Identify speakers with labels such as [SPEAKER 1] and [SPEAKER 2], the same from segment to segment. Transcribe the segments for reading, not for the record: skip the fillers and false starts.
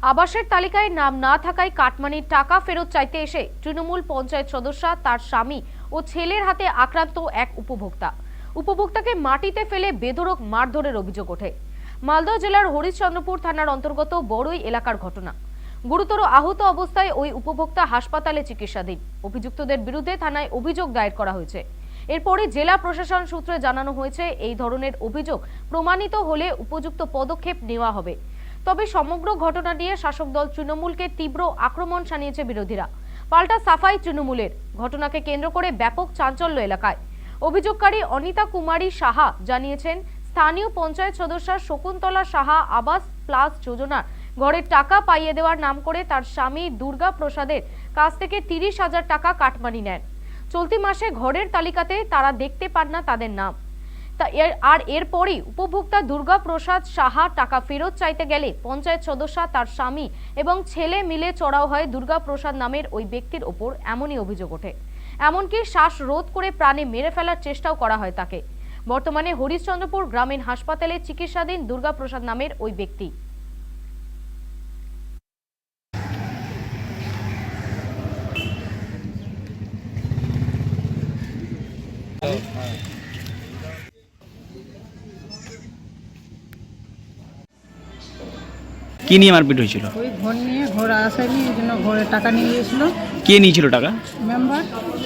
[SPEAKER 1] আবাসের তালিকায় নাম না থাকায় কাটমানির টাকা ফেরত চাইতে এসে তৃণমূল পঞ্চায়েত সদস্য, তার স্বামী ও ছেলের হাতে আক্রান্ত এক উপভোক্তাকে মাটিতে ফেলে বেধড়ক মারধরের অভিযোগ ওঠে। মালদহ জেলার হরিশ্চন্দ্রপুর থানার অন্তর্গত বড়ই এলাকার ঘটনা। গুরুতর আহত অবস্থায় ওই উপভোক্তা হাসপাতালে চিকিৎসাধীন। অভিযুক্তদের বিরুদ্ধে থানায় অভিযোগ দায়ের করা হয়েছে। এরপরে জেলা প্রশাসন সূত্রে জানানো হয়েছে, এই ধরনের অভিযোগ প্রমাণিত হলে উপযুক্ত পদক্ষেপ নেওয়া হবে। তবে সমগ্র ঘটনা নিয়ে শাসক দল তৃণমূলকে তীব্র আক্রমণ শানিয়েছে বিরোধীরা। পাল্টা সাফাই তৃণমূলের। ঘটনাকে কেন্দ্র করে ব্যাপক চাঞ্চল্য এলাকায়। অভিযোগকারী অনিতা কুমারী সাহা জানিয়েছেন, স্থানীয় পঞ্চায়েত সদস্য শকুন্তলা সাহা আবাস প্লাস যোজনার ঘরের টাকা পাইয়ে দেওয়ার নাম করে তার স্বামী দুর্গা প্রসাদের কাছ থেকে 30,000 টাকা কাটমানি নেন। চলতি মাসে ঘরের তালিকাতে তারা দেখতে পান না তাদের নাম। এরপরই উপভোক্তা দুর্গা প্রসাদ সাহা টাকা ফেরত চাইতে গেলে পঞ্চায়েত সদস্য, তার স্বামী এবং ছেলে মিলে চড়াও হয় দুর্গা প্রসাদ নামের ওই ব্যক্তির ওপর। এমনই অভিযোগ ওঠে। এমনকি শ্বাসরোধ করে প্রাণে মেরে ফেলার চেষ্টাও করা হয় তাকে। বর্তমানে হরিশ্চন্দ্রপুর গ্রামীণ হাসপাতালে চিকিৎসাধীন দুর্গা প্রসাদ নামের ওই ব্যক্তি।
[SPEAKER 2] কি নিয়ে মারপিট হয়েছিল?
[SPEAKER 3] ওই ঘর নিয়ে, ঘর আসেনি, এই জন্য ঘরে টাকা নিয়ে গিয়েছিল।
[SPEAKER 2] কে নিয়েছিল টাকা?
[SPEAKER 3] মেম্বার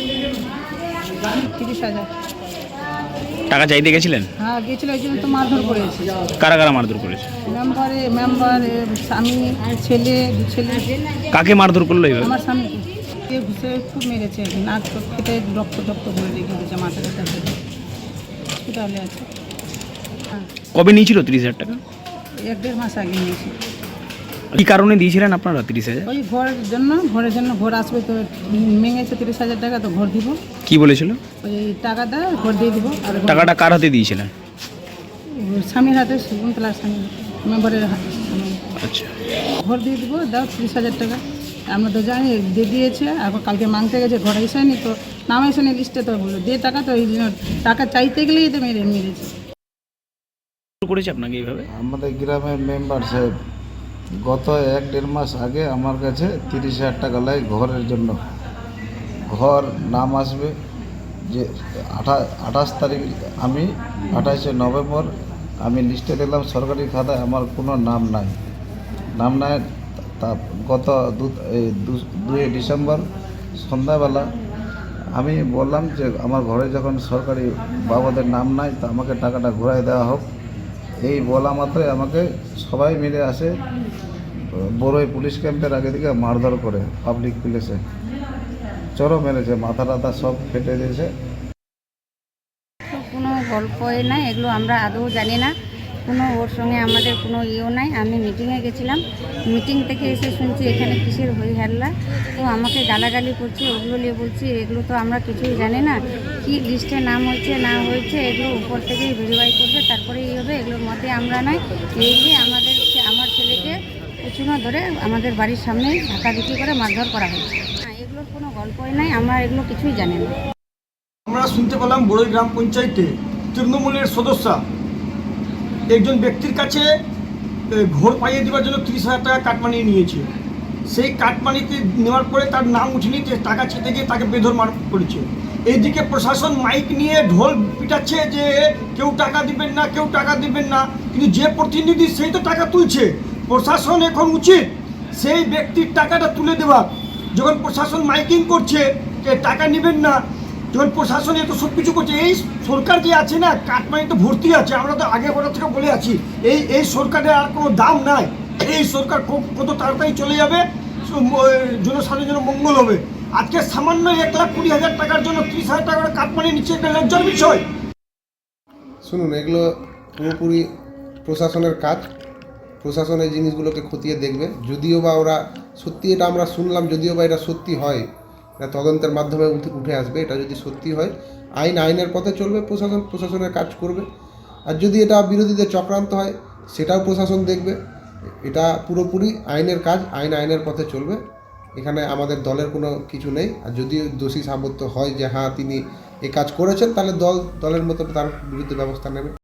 [SPEAKER 3] 30,000
[SPEAKER 2] টাকা চাইতে গেছিলেন?
[SPEAKER 3] হ্যাঁ গিয়েছিল, এই জন্য তো মারধর করেছে।
[SPEAKER 2] কারা কারা মারধর করেছে?
[SPEAKER 3] মেম্বার স্বামী, ছেলে, দু ছেলে।
[SPEAKER 2] কাকে মারধর করলো এইভাবে?
[SPEAKER 3] আমার স্বামীকে ঘুষে খুব মেরেছে, নাক খেতে রক্ত করে রেখে দিয়েছে, মাথাটা হসপিটালে আছে। হ্যাঁ,
[SPEAKER 2] কবে নিয়েছিল 30,000 টাকা?
[SPEAKER 3] 1-1.5 মাস আগে নিয়েছি।
[SPEAKER 2] কি কারণে দিয়েছিলেন আপনারা 30,000?
[SPEAKER 3] ওই ঘরের জন্য ঘর আসবে তো মেঙেছে 30,000 টাকা, তো ঘর দিব।
[SPEAKER 2] কি বলেছিল?
[SPEAKER 3] ওই টাকাটা ঘর দিয়ে দিব। আর
[SPEAKER 2] টাকাটা কার হাতে দিয়েছিলেন?
[SPEAKER 3] স্বামীর হাতে, শকুন্তলার স্বামী, মেম্বারের হাতে।
[SPEAKER 2] আচ্ছা,
[SPEAKER 3] ঘর দিয়ে দিব, দাও 30,000 টাকা। আমরা তো জানি দিয়ে দিয়েছে, এখন কালকে মাংতে গেছে, ঘরে এসেনি, তো নাম এসেনি লিস্টে, তো বললো দিয়ে টাকা, তো এই জন্য টাকা চাইতে গেলেই তো মেরেছে।
[SPEAKER 2] করেছে আপনাকে এইভাবে?
[SPEAKER 4] আমাদের গ্রামের মেম্বার সাহেব গত 1-1.5 মাস আগে আমার কাছে 30,000 টাকা লাগে ঘরের জন্য। ঘর নাম আসবে যে 28 তারিখ, আমি 28শে নভেম্বর আমি লিস্টে দেখলাম সরকারি খাতায় আমার কোনো নাম নাই। তা গত 2 ডিসেম্বর সন্ধ্যাবেলা আমি বললাম যে আমার ঘরে যখন সরকারি বাবাদের নাম নাই, তা আমাকে টাকাটা ঘুরাই দেওয়া হোক। এই বলা মাত্রই আমাকে সবাই মিলে আসে বড়ই পুলিশ ক্যাম্পের আগে থেকে মারধর করে পাবলিক প্লেসে চড়ো মেরেছে, মাথা টাথা সব ফেটে দিয়েছে।
[SPEAKER 5] কোনো গল্পই নাই, এগুলো আমরা আদৌ জানি না। কোনো ওর সঙ্গে আমাদের কোনো ইয়েও নাই। আমি মিটিংয়ে গেছিলাম, মিটিং থেকে এসে শুনছি এখানে কিসের হই হাল্লা, তো আমাকে গালাগালি করছে। ওগুলো নিয়ে বলছি এগুলো তো আমরা কিছুই জানি না, কি লিস্টে নাম হয়েছে না হয়েছে এগুলো উপর থেকেই ভেরিফাই করবে, তারপরে এই হবে, এগুলোর মধ্যে আমরা নাই। এই যে আমার ছেলেকে পেছনে ধরে আমাদের বাড়ির সামনে ধাক্কাধুকি করে মারধর করা হয়েছে। এগুলোর কোনো গল্পই নাই, আমরা এগুলো কিছুই জানি না।
[SPEAKER 6] আমরা শুনতে পেলাম বড়ই গ্রাম পঞ্চায়েতে তৃণমূলের সদস্য একজন ব্যক্তির কাছে ঘর পাইয়ে দেওয়ার জন্য 30,000 টাকা কাটমানি নিয়েছে। সেই কাটমানিতে নেওয়ার পরে তার নাম উঠেনি, টাকা চেতে গিয়ে তাকে বেধর মার করেছে। এইদিকে প্রশাসন মাইক নিয়ে ঢোল পিটাচ্ছে যে কেউ টাকা দিবেন না, কেউ টাকা দিবেন না, কিন্তু যে প্রতিনিধি সেই তো টাকা তুলছে। প্রশাসন এখন উচিত সেই ব্যক্তির টাকাটা তুলে দেওয়া। যখন প্রশাসন মাইকিং করছে যে টাকা নেবেন না, যখন প্রশাসন এত সব কিছু করছে, এই সরকার যে আছে না, কাটমানি তো ভর্তি আছে। আমরা তো আগে বড় থেকে বলে আছি এই সরকারের আর কোনো দাম নাই। এই সরকার কত তাড়াতাড়ি চলে যাবে, জনসাধারণের মঙ্গল হবে। আজকে সামান্য 1,20,000 টাকার জন্য 30,000 টাকা কাটমানি নিচ্ছে, একটা লজ্জার বিষয়।
[SPEAKER 7] শুনুন, এগুলো পুরোপুরি প্রশাসনের কাজ। প্রশাসন এই জিনিসগুলোকে খতিয়ে দেখবে। যদিও বা ওরা সত্যি, এটা আমরা শুনলাম, যদিও বা এটা সত্যি হয়, এটা তদন্তের মাধ্যমে উঠে আসবে। এটা যদি সত্যি হয়, আইনের পথে চলবে, প্রশাসনের কাজ করবে। আর যদি এটা বিরোধীদের চক্রান্ত হয়, সেটাও প্রশাসন দেখবে। এটা পুরোপুরি আইনের কাজ, আইনের পথে চলবে। এখানে আমাদের দলের কোনো কিছু নেই। আর যদি দোষী সাব্যস্ত হয় যে হ্যাঁ তিনি এই কাজ করেছেন, তাহলে দলের মতো তার বিরুদ্ধে ব্যবস্থা নেবে।